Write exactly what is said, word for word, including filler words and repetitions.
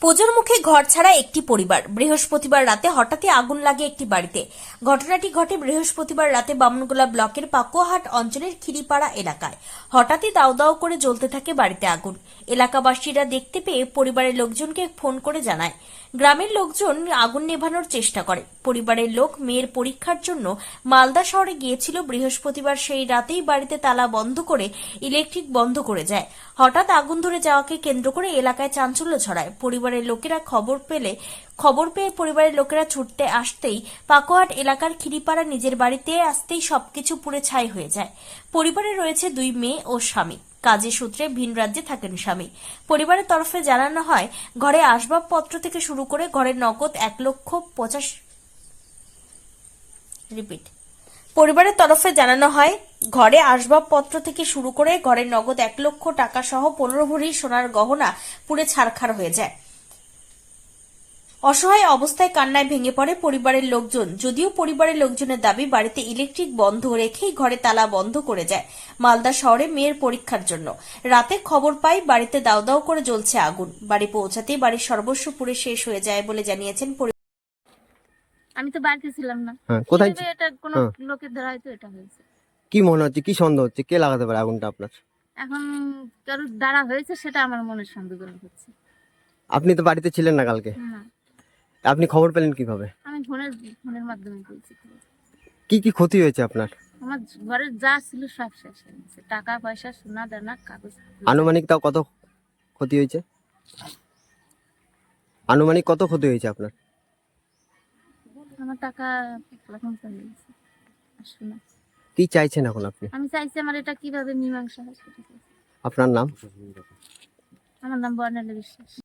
পুজোর মুখে ঘর ছাড়া একটি পরিবার। বৃহস্পতিবার রাতে হঠাৎই আগুন লাগে একটি বাড়িতে। ঘটনাটি ঘটে বৃহস্পতিবার রাতে বামনগোলা ব্লকের পাকুয়াহাট অঞ্চলের খিরিপাড়া এলাকায়। হঠাৎই দাউ দাউ করে জ্বলতে থাকে বাড়িতে আগুন। এলাকাবাসীরা দেখতে পেয়ে পরিবারের লোকজনকে ফোন করে জানায়। গ্রামের লোকজন আগুন নেভানোর চেষ্টা করে। পরিবারের লোক মেয়ের পরীক্ষার জন্য মালদা শহরে গিয়েছিল। বৃহস্পতিবার সেই রাতেই বাড়িতে তালা বন্ধ করে ইলেকট্রিক বন্ধ করে যায়। হঠাৎ আগুন ধরে যাওয়াকে কেন্দ্র করে এলাকায় চাঞ্চল্য ছড়ায়। পরিবারের লোকেরা খবর পেলে খবর পেয়ে পরিবারের লোকেরা ছুটতে আসতেই পাকুয়াহাট এলাকার খিরিপাড়া নিজের বাড়িতে আসতেই সবকিছু পুড়ে ছাই হয়ে যায়। পরিবারে রয়েছে দুই মেয়ে ও স্বামী। কাজের সূত্রে ভিন রাজ্যে থাকেন স্বামী। পরিবারের তরফে জানানো হয়, ঘরে আসবাবপত্র থেকে শুরু করে ঘরের নগদ এক লক্ষ পঁচাশ রিপিট পরিবারের তরফে জানানো হয় ঘরে আসবাবপত্র থেকে শুরু করে ঘরের নগদ এক লক্ষ টাকা সহ পনেরো ভরি সোনার গহনা পুড়ে ছারখার হয়ে যায়। অসহায় অবস্থায় কান্নায় ভেঙে পড়ে পরিবারের লোকজন। যদিও পরিবারের লোকজনের দাবি, বাড়িতে ইলেকট্রিক বন্ধ রেখেই ঘরে তালা বন্ধ করে যায় মালদা শহরে মেয়ের পরীক্ষার জন্য। রাতে খবর পাই বাড়িতে দাউ দাউ করে জ্বলছে আগুন। বাড়ি পৌঁছাতেই বাড়ির সর্বস্ব পুড়ে শেষ হয়ে যায় বলে জানিয়েছেন। আমি তো বাড়িতে ছিলাম না। হ্যাঁ, কোথায় কিভাবে এটা কোন হ্যাঁ। লোকের দ্বারা হয়তো এটা হয়েছে। কি মনে হচ্ছে, কি সন্দেহ হচ্ছে, কে লাগাতে পারে আগুনটা আপনার? এখন কারোর দ্বারা হয়েছে সেটা আমার মনের সন্দেহজনক হচ্ছে। আপনি তো বাড়িতে ছিলেন না কালকে, না, আপনি খবর পেলেন কিভাবে? আমি ফোনের ফোনের মাধ্যমে বলছি। কি কি ক্ষতি হয়েছে আপনার? আমার ঘরের যা ছিল সব শেষ হয়ে গেছে, টাকা পয়সা সোনা দানা কাগজ। আনুমানিক তাও কত ক্ষতি হয়েছে? আনুমানিক কত ক্ষতি হয়েছে আপনার? আমার টাকা এখন চলে গেছে আর সোনা। কি চাইছেন এখন আপনি? আমি চাইছি আমার এটা কিভাবে মীমাংসা হয় সেটা চাইছি। আপনার নাম? আমার নাম বর্ণালী বিশ্বাস।